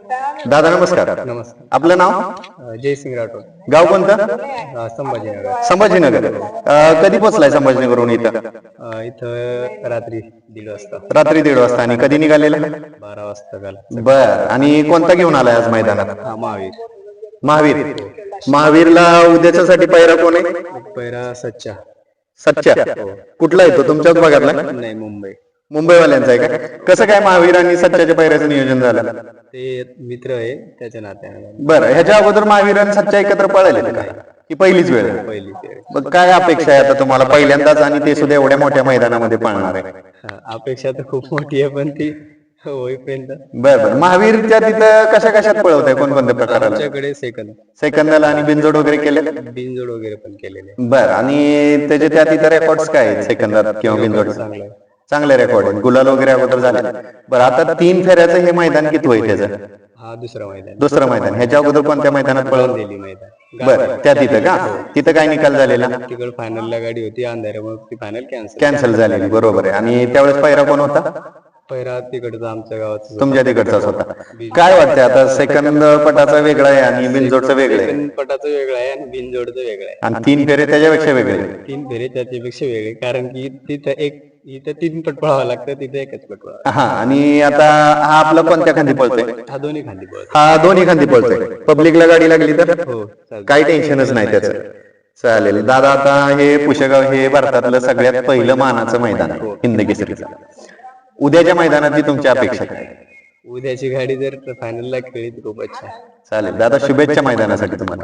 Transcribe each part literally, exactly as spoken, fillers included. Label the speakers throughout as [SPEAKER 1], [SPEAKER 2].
[SPEAKER 1] दादा नमस्कार.
[SPEAKER 2] नमस्कार.
[SPEAKER 1] आपलं नाव?
[SPEAKER 2] अ, जयसिंग राठोड.
[SPEAKER 1] गाव कोणतं?
[SPEAKER 2] अ, संभाजीनगर.
[SPEAKER 1] संभाजीनगर. अ, कधी पोहोचलाय संभाजीनगरहून इथं?
[SPEAKER 2] अ, इथं रात्री दीड वाजता.
[SPEAKER 1] रात्री दीड वाजता. आणि कधी निघालेला?
[SPEAKER 2] बारा वाजता झाला.
[SPEAKER 1] बर. आणि कोणता घेऊन आलाय आज मैदानात?
[SPEAKER 2] हा महावीर.
[SPEAKER 1] महावीर. महावीरला उद्याच्यासाठी पैरा कोण आहे?
[SPEAKER 2] पैरा सच्चा.
[SPEAKER 1] सच्चा. कुठला येतो? तुमच्याच भागातला?
[SPEAKER 2] नाही, मुंबई.
[SPEAKER 1] मुंबईवाल्यांचा आहे का? कसं काय महावीर आणि सच्चाच्या पैऱ्याचं नियोजन झालं?
[SPEAKER 2] ते मित्र आहे त्याच्या नात्याने.
[SPEAKER 1] बरं. ह्याच्या अगोदर महावीर आणि सच्चा एकत्र पळाले का? ही पहिलीच वेळ आहे?
[SPEAKER 2] पहिली.
[SPEAKER 1] मग काय अपेक्षा आहे आता तुम्हाला पहिल्यांदाच, आणि ते सुद्धा एवढ्या मोठ्या मैदानामध्ये पळणार आहे?
[SPEAKER 2] अपेक्षा तर खूप मोठी आहे, पण ती होईपर्यंत.
[SPEAKER 1] बरं बरं. महावीरच्या तिथं कशा कशात पळवत आहे? कोणकोणत्या प्रकारात?
[SPEAKER 2] आमच्याकडे सेकंद
[SPEAKER 1] सेकंदाला आणि बिनजोड वगैरे केले?
[SPEAKER 2] बिनजोड वगैरे पण केलेले.
[SPEAKER 1] बरं. आणि त्याचे त्या तिथं रेकॉर्ड्स काय आहेत सेकंदात किंवा बिनजोड?
[SPEAKER 2] चांगलं आहे.
[SPEAKER 1] चांगले रेकॉर्ड आहेत. गुलाल वगैरे अगोदर झाले. बरं. आता तीन फेऱ्याचं हे मैदान किती होईल त्याचं?
[SPEAKER 2] हा दुसरा मैदान.
[SPEAKER 1] दुसरं मैदान. ह्याच्या अगोदर कोणत्या मैदानात पळवलं?
[SPEAKER 2] दिली मैदान.
[SPEAKER 1] बरं. त्या तिथं का? तिथं काय निकाल झालेला?
[SPEAKER 2] तिकडे फायनलला गाडी होती अंधाऱ्यामुळे ती फायनल कॅन्सल
[SPEAKER 1] कॅन्सल झालेली. बरोबर आहे. आणि त्यावेळेस पैरा कोण होता?
[SPEAKER 2] पैरा तिकडचा आमच्या गावाचा.
[SPEAKER 1] तुमच्या तिकडचाच होता. काय वाटतंय आता? सेकंद पटाचा वेगळा आहे आणि बिनजोडचं वेगळं आहे,
[SPEAKER 2] पटाचं वेगळं आहे आणि बिनजोडचं वेगळं आहे,
[SPEAKER 1] आणि तीन फेरे त्याच्यापेक्षा वेगळे.
[SPEAKER 2] तीन फेरे त्याच्यापेक्षा वेगळे, कारण की तिथं एक इथं तीन पट पळावं लागतं, तिथं एकच पट पळावं.
[SPEAKER 1] हा. आणि आता हा आपला कोणत्या खांदी पळतोय?
[SPEAKER 2] हा दोन्ही खांदी पळतो.
[SPEAKER 1] हा दोन्ही खांदी पळतोय. पब्लिकला गाडी लागली तर
[SPEAKER 2] हो
[SPEAKER 1] काही टेन्शनच नाही त्याचं. चालेल दादा. आता हे पुशेगाव हे भारतातलं सगळ्यात पहिलं मानाचं मैदान आहे हिंद केसरीचं. उद्याच्या मैदानाची तुमची अपेक्षा काय?
[SPEAKER 2] उद्याची गाडी जर फायनलला खेळली तर खूप अच्छा.
[SPEAKER 1] चालेल दादा. शुभेच्छा मैदानासाठी तुम्हाला.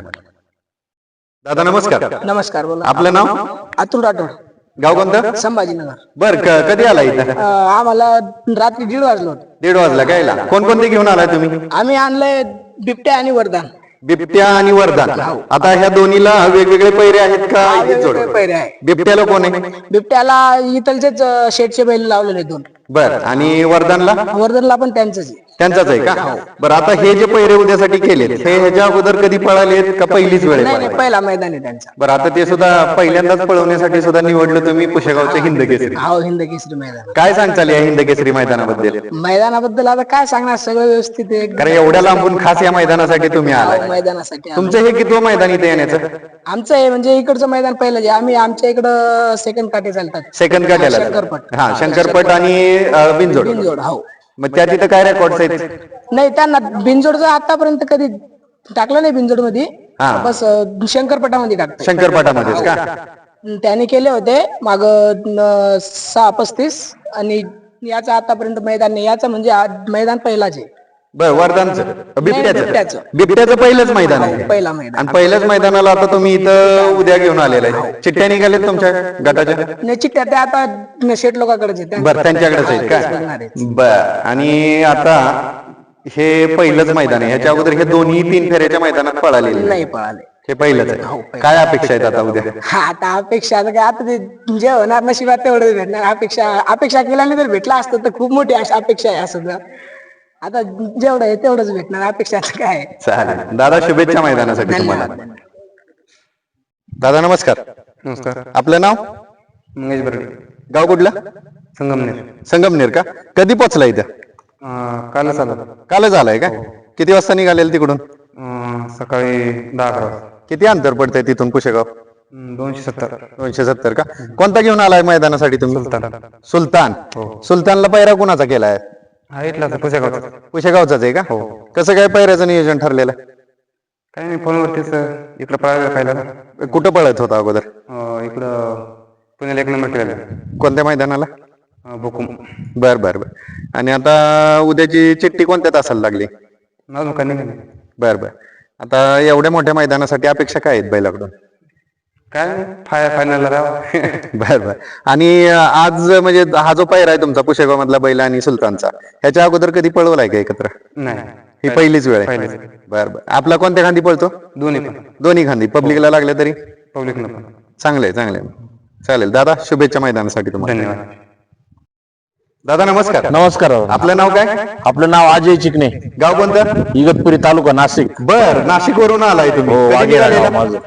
[SPEAKER 1] दादा नमस्कार.
[SPEAKER 3] नमस्कार. बोला.
[SPEAKER 1] आपलं नाव?
[SPEAKER 3] अतुल राठोड.
[SPEAKER 1] गाव कोणतं?
[SPEAKER 3] संभाजीनगर.
[SPEAKER 1] बर. कधी आला इथं?
[SPEAKER 3] अं, आम्हाला रात्री दीड वाजलो होतो.
[SPEAKER 1] दीड वाजला कायला? कोणकोणते घेऊन आलाय तुम्ही?
[SPEAKER 3] आम्ही आणलंय बिबट्या आणि वरदान.
[SPEAKER 1] बिबट्या आणि वरदान. आता ह्या दोन्हीला वेगवेगळे पैरे आहेत का?
[SPEAKER 3] हा,
[SPEAKER 1] एकच जोड?
[SPEAKER 3] वेगवेगळे पैरे आहे.
[SPEAKER 1] बिबट्याला कोण आहे?
[SPEAKER 3] बिबट्याला इथलचेच अं, शेटचे बैल लावलेले दोन.
[SPEAKER 1] बर. आणि वरदानला?
[SPEAKER 3] वरदानला पण त्यांचंच आहे.
[SPEAKER 1] त्यांचाच आहे का? बरं. आता हे जे पैरे उद्यासाठी केलेत हे ह्याच्या अगोदर कधी पळालेत का पहिलीच वेळ
[SPEAKER 3] नाही
[SPEAKER 1] आहे?
[SPEAKER 3] नाही, पहिला मैदान आहे त्यांचा.
[SPEAKER 1] बरं. आता ते सुद्धा पहिल्यांदाच पळवण्यासाठी सुद्धा निवडलं तुम्ही पुशेगावचं हिंद केसरी.
[SPEAKER 3] हो, हिंद केसरी मैदान.
[SPEAKER 1] काय सांगताल या हिंद केसरी मैदानाबद्दल?
[SPEAKER 3] मैदानाबद्दल आता काय सांगणार, सगळं व्यवस्थित आहे.
[SPEAKER 1] कारण एवढ्या लांबून खास या मैदानासाठी तुम्ही आलाय.
[SPEAKER 3] हो, मैदानासाठी आलो.
[SPEAKER 1] तुमचं हे कितवं मैदान इथे येण्याचं?
[SPEAKER 3] आमचं आहे म्हणजे इकडचं मैदान पहिलं जे आम्ही आमच्या इकडं सेकंड काटे चालतात.
[SPEAKER 1] सेकंड काट्याला?
[SPEAKER 3] शंकरपट.
[SPEAKER 1] हा, शंकरपट आणि अं, बिनजोड.
[SPEAKER 3] बिनजोड. हो.
[SPEAKER 1] मग त्या तिथं काय रेकॉर्ड्स आहेत?
[SPEAKER 3] नाही, त्यांना बिनजोडचं आतापर्यंत कधी टाकलं नाही बिनजोड मध्ये.
[SPEAKER 1] हा.
[SPEAKER 3] बस अं, शंकरपटामध्ये टाकतो.
[SPEAKER 1] शंकरपटामध्येच का?
[SPEAKER 3] त्याने केले होते माग सहा पस्तीस, आणि याचं आतापर्यंत मैदान नाही. याचं म्हणजे आज मैदान पहिलाच आहे.
[SPEAKER 1] बर. वरदानचं? बिबट्याचं?
[SPEAKER 3] बिबट्याचं.
[SPEAKER 1] बिबट्याचं पहिलंच मैदान आहे.
[SPEAKER 3] हो, पहिला मैदान.
[SPEAKER 1] आणि पहिल्याच मैदानाला आता तुम्ही इथं उद्या घेऊन आलेला आहे. चिठ्ठ्या निघाल्यात तुमच्या गटाच्या?
[SPEAKER 3] नाही, चिठ्ठ्या त्या आता शेट लोकांकडेच आहेत.
[SPEAKER 1] बर. त्यांच्याकडेच आहेत
[SPEAKER 3] बघणार
[SPEAKER 1] का?
[SPEAKER 3] आहेत.
[SPEAKER 1] बर. आणि आता हे पहिलंच मैदान आहे. ह्याच्या अगोदर हे दोन्ही तीन फेऱ्याच्या मैदानात पळालेले नाही?
[SPEAKER 3] नाही पळाले.
[SPEAKER 1] हे पहिलंच आहे. काय अपेक्षा आहेत आता उद्या?
[SPEAKER 3] हा, आता अपेक्षा आता काय, आता ते जे होणार नशिबात तेवढं भेटणार. अपेक्षा अपेक्षा केल्याने जर भेटला असतं तर खूप मोठी अशी अपेक्षा आहे. असं आता जेवढं आहे तेवढंच भेटणार. अपेक्षा आता काय आहे.
[SPEAKER 1] चालेल दादा. शुभेच्छा मैदानासाठी तुम्हाला. दादा नमस्कार.
[SPEAKER 2] नमस्कार.
[SPEAKER 1] आपलं नाव?
[SPEAKER 2] मंगेश बर्डे.
[SPEAKER 1] गाव कुठलं?
[SPEAKER 2] संगमनेर.
[SPEAKER 1] संगमनेर का? कधी पोचला इथं?
[SPEAKER 2] कालच आलो.
[SPEAKER 1] कालच आलाय का? किती वाजता निघालेल तिकडून?
[SPEAKER 2] सकाळी दहा अकरा वाजता.
[SPEAKER 1] किती अंतर पडतंय तिथून पुशेगाव?
[SPEAKER 2] दोनशे सत्तर.
[SPEAKER 1] दोनशे सत्तर का? कोणता घेऊन आलाय मैदानासाठी तुम्ही?
[SPEAKER 2] सुलतान.
[SPEAKER 1] सुलतान.
[SPEAKER 2] हो.
[SPEAKER 1] सुलतानला पैरा कुणाचा केलाय?
[SPEAKER 2] हा, इथला पुसेगावचा.
[SPEAKER 1] पुशेगावचाच आहे का?
[SPEAKER 2] हो.
[SPEAKER 1] कसं काय पैऱ्याचं नियोजन ठरलेलं?
[SPEAKER 2] काही नाही, फोनवरतीच इकडं पळायला खायला.
[SPEAKER 1] कुठं पळत होता अगोदर?
[SPEAKER 2] इकडं पुण्याला एक नंबर केलेला.
[SPEAKER 1] कोणत्या मैदानाला?
[SPEAKER 2] बुकुम.
[SPEAKER 1] बर बर बर. आणि आता उद्याची चिठ्ठी कोणत्या तासाला लागली?
[SPEAKER 2] अजून काही नाही.
[SPEAKER 1] बर बर. आता एवढ्या मोठ्या मैदानासाठी अपेक्षा काय आहेत बैलाकडून?
[SPEAKER 2] काय फाय फायनलला राहा.
[SPEAKER 1] बर बर. आणि आज म्हणजे हा जो पैरा आहे तुमचा पुशेगाव मधला बैल आणि सुलतानचा, ह्याच्या अगोदर कधी पळवलाय का एकत्र?
[SPEAKER 2] नाही,
[SPEAKER 1] ही पहिलीच वेळ आहे. बर बर. आपला कोणत्या खांदी पळतो?
[SPEAKER 2] दोन्ही पण.
[SPEAKER 1] दोन्ही खांदी. पब्लिकला लागल्या तरी?
[SPEAKER 2] पब्लिकला पण.
[SPEAKER 1] चांगले चांगले. चालेल दादा. शुभेच्छा मैदानासाठी तुम्हाला.
[SPEAKER 2] धन्यवाद.
[SPEAKER 1] दादा नमस्कार.
[SPEAKER 4] नमस्कार.
[SPEAKER 1] आपलं नाव काय?
[SPEAKER 4] आपलं नाव अजय चिकणे.
[SPEAKER 1] गाव कोणतं?
[SPEAKER 4] इगतपुरी तालुका नाशिक.
[SPEAKER 1] बर. नाशिक वरून आलाय तुम्ही?
[SPEAKER 4] हो,
[SPEAKER 1] कधी
[SPEAKER 4] वाघेरा
[SPEAKER 1] निघालेला?
[SPEAKER 4] गाव माझं.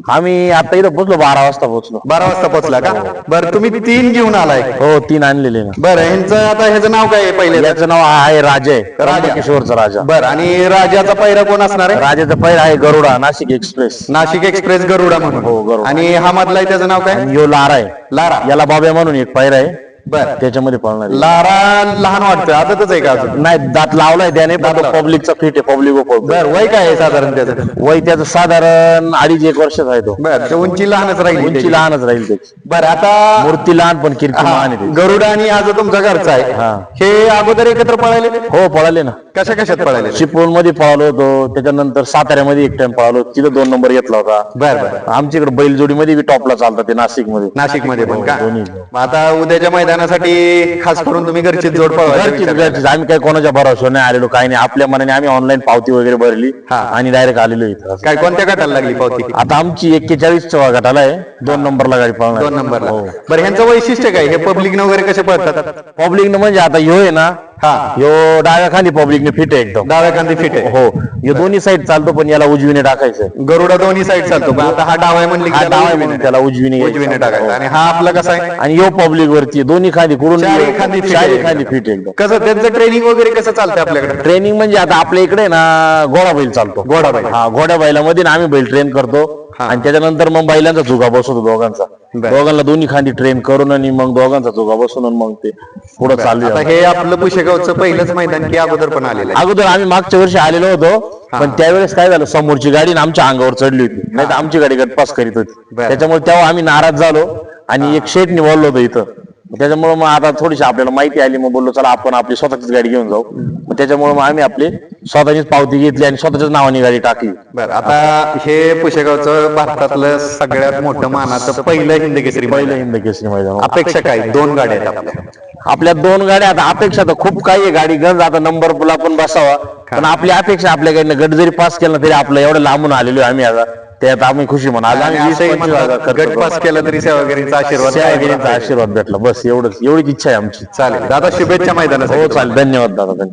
[SPEAKER 4] आम्ही आता इथं पोहोचलो बारा वाजता पोहोचलो.
[SPEAKER 1] बारा वाजता पोहोचला का? बरं, तुम्ही तीन घेऊन आलाय.
[SPEAKER 4] हो तीन आणलेले ना.
[SPEAKER 1] बरं, ह्यांचं आता ह्याचं नाव काय आहे पहिले?
[SPEAKER 4] याचं नाव आहे राजा आहे,
[SPEAKER 1] राजा.
[SPEAKER 4] किशोरचा राजा.
[SPEAKER 1] बरं, आणि राजाचा पहिरा कोण असणार आहे?
[SPEAKER 4] राजाचा पहिला आहे गरुडा नाशिक एक्सप्रेस.
[SPEAKER 1] नाशिक एक्सप्रेस गरुडा म्हणून.
[SPEAKER 4] हो, गरुडा.
[SPEAKER 1] आणि हा मधला आहे त्याचं नाव काय?
[SPEAKER 4] आणि यो लारा आहे.
[SPEAKER 1] लारा.
[SPEAKER 4] याला बाब्या म्हणून एक पहिरा आहे,
[SPEAKER 1] बरं,
[SPEAKER 4] त्याच्यामध्ये पळणार आहे.
[SPEAKER 1] लारा लहान वाटतं, आताच आहे का अजून?
[SPEAKER 4] नाही दात लावलाय त्याने,
[SPEAKER 1] दात लावलाय.
[SPEAKER 4] पब्लिकचा फिट आहे, पब्लिक
[SPEAKER 1] बर, वय काय आहे साधारण त्याचं?
[SPEAKER 4] वय त्याचं साधारण अडीच एक वर्षाचा आहे तो.
[SPEAKER 1] बर, उंची लहानच राहील.
[SPEAKER 4] उंची लहानच राहील त्याची.
[SPEAKER 1] बरं, आता
[SPEAKER 4] मूर्ती लहान पण कीर्ती
[SPEAKER 1] हा,
[SPEAKER 4] महान आहे त्याची.
[SPEAKER 1] गरुडा आणि आज तुमचा घरचा आहे,
[SPEAKER 4] हा.
[SPEAKER 1] हे अगोदर एकत्र पळाले?
[SPEAKER 4] हो पळाले ना.
[SPEAKER 1] कशा कशात पळाले?
[SPEAKER 4] चिपळूण मध्ये पळालो होतो, त्याच्यानंतर साताऱ्यामध्ये एक टाइम पळालो, तिथं दोन नंबर घेतला होता.
[SPEAKER 1] बर बर.
[SPEAKER 4] आमच्याकडे बैलजोडीमध्ये बी टॉपला चालतात ते नाशिक मध्ये.
[SPEAKER 1] नाशिक मध्ये पण का?
[SPEAKER 4] दोन्ही.
[SPEAKER 1] मग आता उद्याच्या मैदानासाठी खास करून तुम्ही घरचीच जोड पळवायची
[SPEAKER 4] घरचीच-
[SPEAKER 1] विचार केला?
[SPEAKER 4] घरचीच. आम्ही काही कोणाच्या भरोसा नाही आलेलो, काही नाही. आपल्या मनाने आम्ही ऑनलाईन पावती वगैरे भरली
[SPEAKER 1] हा.
[SPEAKER 4] आणि डायरेक्ट आलेलो इथं.
[SPEAKER 1] काय कोणत्या गटाला लागली पावती?
[SPEAKER 4] आता आमची एक्केचाळीस गटाला आहे, दोन नंबरला गाडी पळणार.
[SPEAKER 1] दोन नंबरला.
[SPEAKER 4] हो.
[SPEAKER 1] बरं, ह्यांचं वैशिष्ट्य काय? हे पब्लिक न वगैरे कसे पळतात?
[SPEAKER 4] पब्लिक म्हणजे आता ह्यो आहे ना,
[SPEAKER 1] हा,
[SPEAKER 4] ह्यो डाव्या खाली पब्लिकने फिट आहे एकदम.
[SPEAKER 1] डाव्या कांदी फिट आहे.
[SPEAKER 4] हो, ह्यो दोन्ही साईड चालतो, पण याला उजवीने टाकायचं.
[SPEAKER 1] गरुडा दोन्ही साईड चालतो, पण आता हा डावा आहे म्हणले की
[SPEAKER 4] हा
[SPEAKER 1] त्याला
[SPEAKER 4] डावा आहे
[SPEAKER 1] उजवीने
[SPEAKER 4] म्हणून त्याला उजवीने
[SPEAKER 1] उजवीने टाकायचा. आणि हा आपला कसा आहे?
[SPEAKER 4] आणि यो पब्लिक वरती दोन्ही खाली कुडून
[SPEAKER 1] चारी खांदी fit
[SPEAKER 4] चारी
[SPEAKER 1] आहे.
[SPEAKER 4] खाली फिट एकदम.
[SPEAKER 1] कसं त्यांचं ट्रेनिंग वगैरे कसं चालतं आपल्याकडे?
[SPEAKER 4] ट्रेनिंग म्हणजे आता आपल्या इकडे ना घोडा बैल चालतो.
[SPEAKER 1] घोडा बैल.
[SPEAKER 4] हा, घोड्या बैलामध्ये ना आम्ही बैल ट्रेन करतो
[SPEAKER 1] हा.
[SPEAKER 4] आणि त्याच्यानंतर मग बैलांचा चुका बसवतो दोघांचा.
[SPEAKER 1] बर.
[SPEAKER 4] दोघांना दोन्ही खांदी ट्रेन करून आणि मग दोघांचा चुका बसवून आणि मग ते पुढे चालू
[SPEAKER 1] आता हे आपलं पुशेगावचं पहिलंच मैदान की अगोदर पण आलेलं आहे?
[SPEAKER 4] अगोदर आम्ही मागच्या वर्षी आलेलो होतो, पण त्यावेळेस काय झालं, समोरची गाडी ना आमच्या अंगावर चढली होती, नाही तर आमची गाडी गटपास करीत होती.
[SPEAKER 1] बर.
[SPEAKER 4] त्याच्यामुळे तेव्हा आम्ही नाराज झालो आणि एक शेट निवडलो होतो इथं. त्याच्यामुळे मग आता थोडीशी आपल्याला माहिती आली, मग बोललो चला आपण आपली स्वतःचीच गाडी घेऊन जाऊ. मग त्याच्यामुळे मग आम्ही आपली स्वतःचीच पावती घेतली आणि स्वतःच्याच नावाने गाडी टाकली.
[SPEAKER 1] बरं, आता हे पुशेगावचं भारतातलं सगळ्यात मोठं मानाचं पहिलं हिंद केसरी
[SPEAKER 4] पहिलं
[SPEAKER 1] मैदान.
[SPEAKER 4] हिंद केसरी मैदान.
[SPEAKER 1] अपेक्षा काय? दोन गाड्या आहेत आपल्या.
[SPEAKER 4] आपल्या दोन गाड्या, आता अपेक्षा तर खूप काही आहे, गाडी गंज आता नंबर पुला पण बसावा, पण आपली अपेक्षा आपल्याकडनं गट जरी पास केला तरी आपलं एवढं लांबून आलेलो आम्ही आता, त्यात आम्ही खुशी म्हणा. आज
[SPEAKER 1] आणि
[SPEAKER 4] आम्ही
[SPEAKER 1] असंही
[SPEAKER 4] वीस पंचवीस
[SPEAKER 1] म्हणतात,
[SPEAKER 4] हजार खर्च
[SPEAKER 1] गट
[SPEAKER 4] करू.
[SPEAKER 1] पास केला तरी सेवागिरीचा आशीर्वाद
[SPEAKER 4] सेवागिरीचा आशीर्वाद भेटला, बस एवढंच, एवढीच इच्छा आहे आमची.
[SPEAKER 1] चालेल दादा, शुभेच्छा मैदानासाठी.
[SPEAKER 4] हो चालेल, धन्यवाद दादा, धन्यवाद.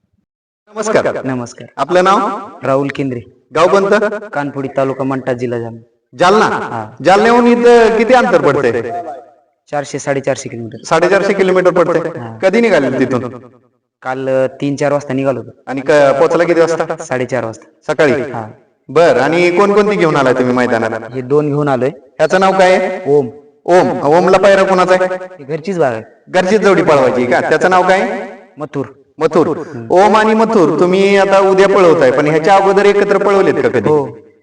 [SPEAKER 1] नमस्कार.
[SPEAKER 2] नमस्कार.
[SPEAKER 1] आपलं नाव?
[SPEAKER 2] राहुल केंद्रे,
[SPEAKER 1] गाव कोणतं?
[SPEAKER 2] कानपुडी तालुका मंठा, जिल्हा जालना.
[SPEAKER 1] जालना. जालन्याहून इथं किती अंतर पडते?
[SPEAKER 2] चारशे साडेचारशे किलोमीटर.
[SPEAKER 1] साडेचारशे किलोमीटर पडते. कधी निघाले तिथून?
[SPEAKER 2] काल अ, तीन चार वाजता निघालो होतो.
[SPEAKER 1] आणि क- पोहोचला किती वाजता?
[SPEAKER 2] साडेचार वाजता.
[SPEAKER 1] सकाळी. बर, आणि कोणकोणती घेऊन आलाय तुम्ही मैदानाला?
[SPEAKER 2] हे दोन घेऊन आलोय.
[SPEAKER 1] ह्याचं नाव काय आहे?
[SPEAKER 2] ओम,
[SPEAKER 1] ओम. ओमला पायरा कोणाचा आहे?
[SPEAKER 2] ही घरचीच बाग आहे.
[SPEAKER 1] घरचीच जोडी पळवायची का? त्याचं नाव काय?
[SPEAKER 2] मथुर.
[SPEAKER 1] मथुर. ओम आणि मथुर तुम्ही आता उद्या पळवताय, पण ह्याच्या अगोदर एकत्र पळवलेत का कधी?
[SPEAKER 2] हो,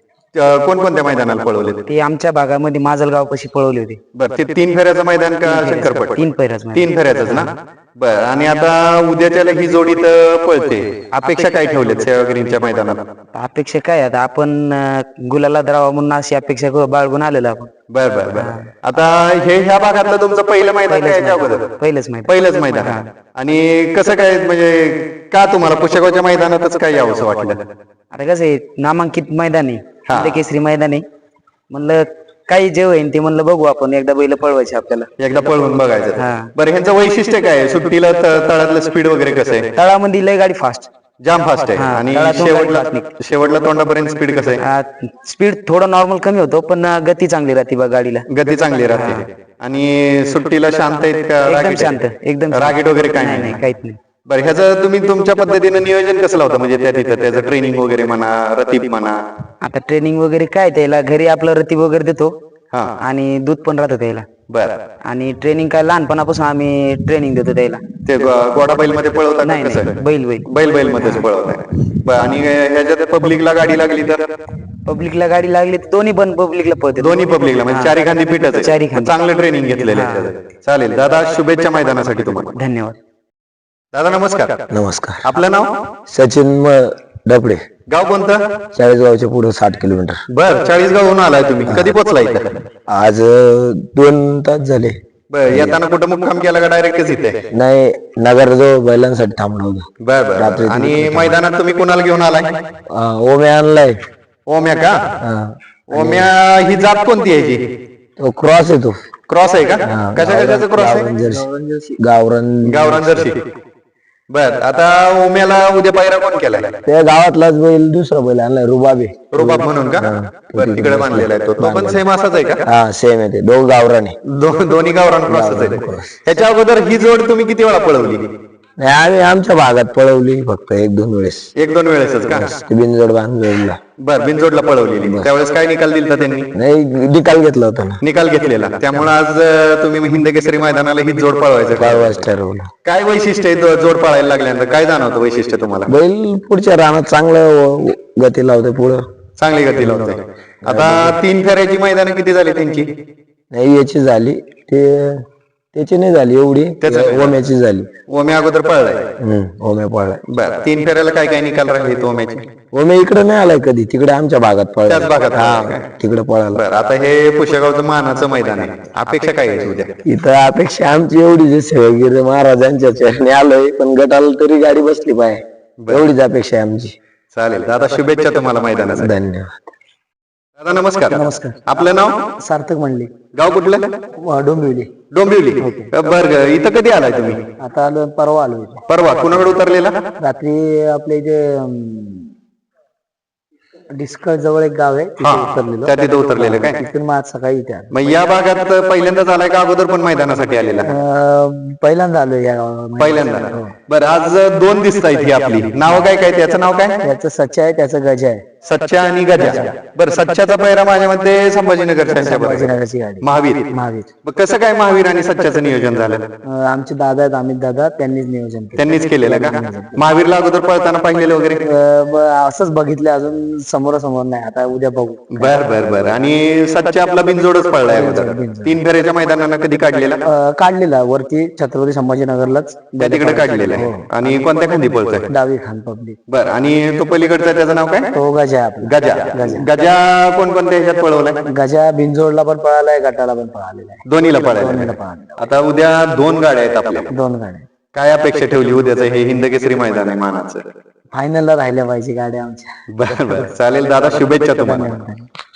[SPEAKER 1] अं, कोणकोणत्या मैदानाला पळवलेत?
[SPEAKER 2] ते आमच्या भागामध्ये माजलगाव पाशी पळवले होते.
[SPEAKER 1] बर, ते तीन फेऱ्याचं मैदान का शंकरपट?
[SPEAKER 2] तीन पैराच
[SPEAKER 1] तीन फेऱ्याच ना. बर, आणि आता उद्याच्याला ही जोडी तर पळते, अपेक्षा काय ठेवलेत सेवागिरीच्या मैदानात?
[SPEAKER 2] अपेक्षा काय आता आपण अ, गुलाला द्रावा म्हणून अशी अपेक्षा करू- बाळगून आलेलो आपण.
[SPEAKER 1] बर बर बर. आता हे ह्या भागातलं तुमचं पहिलं मैदान काय याच्या अगोदर?
[SPEAKER 2] पहिलंच माहिती.
[SPEAKER 1] पहिलंच मैदान. आणि कसं काय, म्हणजे का तुम्हाला पुशेगावच्या मैदानातच काय यावंसं वाटलं?
[SPEAKER 2] आता कसं आहे, नामांकित मैदान आहे,
[SPEAKER 1] हा.
[SPEAKER 2] हिंद केसरी मैदान आहे, म्हणलं काही जे होईल ते म्हणलं बघू आपण, एकदा बैल पळवायचे आपल्याला.
[SPEAKER 1] एकदा पळवून बघायचं.
[SPEAKER 2] हा.
[SPEAKER 1] बरं, ह्यांचं वैशिष्ट्य काय आहे? सुट्टीला त- तळातलं स्पीड वगैरे कसं आहे?
[SPEAKER 2] तळामध्ये लय गाडी फास्ट,
[SPEAKER 1] जाम फास्ट आहे.
[SPEAKER 2] हा,
[SPEAKER 1] आणि
[SPEAKER 2] तळातून
[SPEAKER 1] शेवटला
[SPEAKER 2] गाडी fast
[SPEAKER 1] शेवटला तोंडापर्यंत स्पीड कसं आहे?
[SPEAKER 2] स्पीड थोडं नॉर्मल कमी होतो, पण अ, गती चांगली राहते बा गाडीला.
[SPEAKER 1] गती चांगली राहते. आणि सुट्टीला शांत आहेत का?
[SPEAKER 2] एकदम
[SPEAKER 1] रागीट
[SPEAKER 2] शांत,
[SPEAKER 1] आहे?
[SPEAKER 2] एकदम शांत.
[SPEAKER 1] रागीट वगैरे काय
[SPEAKER 2] नाही
[SPEAKER 1] नाही?
[SPEAKER 2] नाही, काहीच नाही.
[SPEAKER 1] बरं, ह्याचं तुम्ही तुमच्या पद्धतीनं नियोजन कसं लावता? म्हणजे त्या तिथं त्याचं ट्रेनिंग वगैरे म्हणा, रतीब म्हणा.
[SPEAKER 2] आता ट्रेनिंग वगैरे काय त्याला घरी आपलं रतीब वगैरे देतो
[SPEAKER 1] हा.
[SPEAKER 2] आणि दूध पण राहतं त्याला.
[SPEAKER 1] बरं,
[SPEAKER 2] आणि ट्रेनिंग काय लहानपणापासून आम्ही ट्रेनिंग देतो त्याला.
[SPEAKER 1] ते गो- गोडा बैल मध्ये पळवता का
[SPEAKER 2] नाही
[SPEAKER 1] कसं?
[SPEAKER 2] नाही, बैल बैल
[SPEAKER 1] बैल बैल मध्येच पळवताय. बरं, आणि ह्याच्यात पब्लिकला गाडी लागली तर?
[SPEAKER 2] पब्लिकला गाडी लागली तर दोन्ही पण पब्लिकला पळते.
[SPEAKER 1] दोन्ही पब्लिकला, म्हणजे चारी खांदी फिटच आहे.
[SPEAKER 2] चारी खांदी.
[SPEAKER 1] चांगलं ट्रेनिंग घेतलेलं आहे त्याचं. चालेल दादा, शुभेच्छा मैदानासाठी तुम्हाला.
[SPEAKER 2] धन्यवाद.
[SPEAKER 1] दादा नमस्कार.
[SPEAKER 5] नमस्कार.
[SPEAKER 1] आपलं नाव?
[SPEAKER 5] सचिन म- डबडे,
[SPEAKER 1] गाव कोणतं?
[SPEAKER 5] चाळीसगावच्या पुढे साठ किलोमीटर.
[SPEAKER 1] बर, चाळीस गावहून आलाय तुम्ही. कधी पोहोचला इथं?
[SPEAKER 5] आज अ, दोन तास झाले.
[SPEAKER 1] बर, येताना कुठं मुक्काम केला का डायरेक्टच इथे?
[SPEAKER 5] नाही, नगरजवळ बैलांसाठी थांबलो होतो.
[SPEAKER 1] बर बर, बर. आणि मैदानात तुम्ही कुणाला घेऊन आलाय?
[SPEAKER 5] अ, ओमे आणलाय.
[SPEAKER 1] ओम्या का?
[SPEAKER 5] हा.
[SPEAKER 1] ओम्या ही जात कोणती आहे जी?
[SPEAKER 5] तो क्रॉस येतो.
[SPEAKER 1] क्रॉस आहे का? कशा कशाचं क्रॉस
[SPEAKER 5] गावरान
[SPEAKER 1] आहे?
[SPEAKER 5] जर्सी. गावरान
[SPEAKER 1] गावरान जर्सी. बर आता ओम्याला उद्या पायरा कोण केलाय?
[SPEAKER 5] त्या गावातलाच बैल दुसरा बैल आणलाय रुबाबे.
[SPEAKER 1] रुबाब म्हणून का? बरं तिकडे बांधलेला आहे तो तो पण सेम असाच आहे का?
[SPEAKER 5] हा सेम आहे ते दोघ गावराने.
[SPEAKER 1] दो- दोन्ही गावरान क्रॉसच आहे. ह्याच्या अगोदर ही जोड तुम्ही किती वेळा पळवली?
[SPEAKER 5] नाही, आम्ही आमच्या भागात पळवली फक्त एक दोन वेळेस.
[SPEAKER 1] एक दोन वेळेसच का?
[SPEAKER 5] ते बिनजोड बांधला.
[SPEAKER 1] बर बिनजोडला पळवलेली. त्यावेळेस काय निकाल दिलता त्यांनी?
[SPEAKER 5] नाही निकाल घेतला होता ना.
[SPEAKER 1] निकाल घेतलेला. त्यामुळे आज अं, तुम्ही हिंद केसरी मैदानाला ही जोड पळवायचं का?
[SPEAKER 5] परवाच ठरवलं.
[SPEAKER 1] काय वैशिष्ट्य आहे दो- जोड पळायला लागल्यानंतर काय जाणवतं वैशिष्ट्य तुम्हाला?
[SPEAKER 5] बैल पुढच्या रानात चांगलं व- गती लावते पुढं.
[SPEAKER 1] चांगली गती लावते. आता तीन फेऱ्याची मैदानं किती झाली त्यांची?
[SPEAKER 5] नाही याची झाली ते त्याची नाही झाली एवढी.
[SPEAKER 1] त्याचं नाही.
[SPEAKER 5] ओम्याची झाली.
[SPEAKER 1] ओम्या अगोदर पळलाय.
[SPEAKER 5] हम्म ओम्या पळलाय.
[SPEAKER 1] बर तीन फेऱ्याला काय काय निकाल राहिले ओम्याचे?
[SPEAKER 5] ओम्या इकडे नाही आलाय कधी, तिकडे आमच्या भागात पळला.
[SPEAKER 1] त्याच भागात
[SPEAKER 5] हा
[SPEAKER 1] पळाला काय?
[SPEAKER 5] तिकडे पळाला.
[SPEAKER 1] बर आता हे पुष्यगावचं मानाचं मैदान आहे. अपेक्षा काय आहे उद्या?
[SPEAKER 5] इथं अपेक्षा आमची एवढीच आहे, सेवागिरी महाराजांच्या चरणी आलोय पण गटाला तरी गाडी बसली पाहिजे एवढीच अपेक्षा आहे आमची.
[SPEAKER 1] चालेल दादा शुभेच्छा तुम्हाला मैदानासाठी.
[SPEAKER 5] धन्यवाद.
[SPEAKER 1] दादा नमस्कार.
[SPEAKER 3] नमस्कार.
[SPEAKER 1] आपलं नाव?
[SPEAKER 3] सार्थक म्हणले
[SPEAKER 1] गाव कुठलं?
[SPEAKER 3] डोंबिवली.
[SPEAKER 1] डोंबिवली. बर इथं कधी आलाय तुम्ही?
[SPEAKER 3] आता आलो परवा आलो इथे.
[SPEAKER 1] परवा कुणाकडे उतरलेला?
[SPEAKER 3] रात्री आपल्या इथे डिस्कळ जवळ एक गाव आहे तिथे
[SPEAKER 1] हा
[SPEAKER 3] उतरलेलो.
[SPEAKER 1] त्या तिथं उतरलेलं काय?
[SPEAKER 3] तिथून मग आज सकाळी इथे आलो.
[SPEAKER 1] मग या भागात पहिल्यांदाच आलाय का अगोदर पण मैदानासाठी आलेला?
[SPEAKER 3] अं, पहिल्यांदा आलो या गावामध्ये.
[SPEAKER 1] पहिल्यांदा. बरं आज दोन दिसत आहेत ही आपली नाव काय काय त्याचं नाव काय?
[SPEAKER 3] त्याचं सच्चा आहे त्याचं गजा आहे.
[SPEAKER 1] सच्चा आणि गजा. बरं सच्चाचा पहिरा माझ्या मध्ये संभाजीनगर
[SPEAKER 3] संभाजीनगरची गाडी.
[SPEAKER 1] महावीर.
[SPEAKER 3] महावीर.
[SPEAKER 1] मग कसं काय महावीर आणि सच्चाचं नियोजन झालं?
[SPEAKER 3] अं, आमचे दादा आहेत अमित दादा त्यांनीच नियोजन केलं.
[SPEAKER 1] त्यांनीच केलेलं का? महावीरला अगोदर पळताना पाहिलेलं वगैरे?
[SPEAKER 3] अं, ब- असंच बघितलं अजून समोरासमोर नाही आता उद्या बघू.
[SPEAKER 1] बर बर बर आणि सच्चा आपला बिनजोडच पळलाय अगोदर. तीन फेऱ्याच्या मैदानानं कधी काढलेला?
[SPEAKER 3] अं, काढलेला वरती छत्रपती संभाजीनगरला
[SPEAKER 1] त्या तिकडे काढलेला आहे. आणि कोणत्या खांदी पळतोय?
[SPEAKER 3] डावी खान पब्लिक.
[SPEAKER 1] बर आणि तो पलीकडचा त्याचं नाव काय?
[SPEAKER 3] तो गजा आहे आपला.
[SPEAKER 1] गजा. गजा कोणकोणत्या ह्याच्यात पळवलाय?
[SPEAKER 3] गजा बिनजोडला पण पळालाय गटाला पण पळालेला आहे.
[SPEAKER 1] दोन्हीला पळायला.
[SPEAKER 3] पळालेला.
[SPEAKER 1] आता उद्या दोन गाड्या आहेत आपल्या.
[SPEAKER 3] दोन गाड्या
[SPEAKER 1] काय अपेक्षा ठेवली उद्याचं हे हिंद केसरी मैदान आहे मानाचं?
[SPEAKER 3] फायनलला राहिल्या पाहिजे गाड्या आमच्या.
[SPEAKER 1] बर बर चालेल दादा शुभेच्छा तुम्हाला.
[SPEAKER 3] धन्यवाद.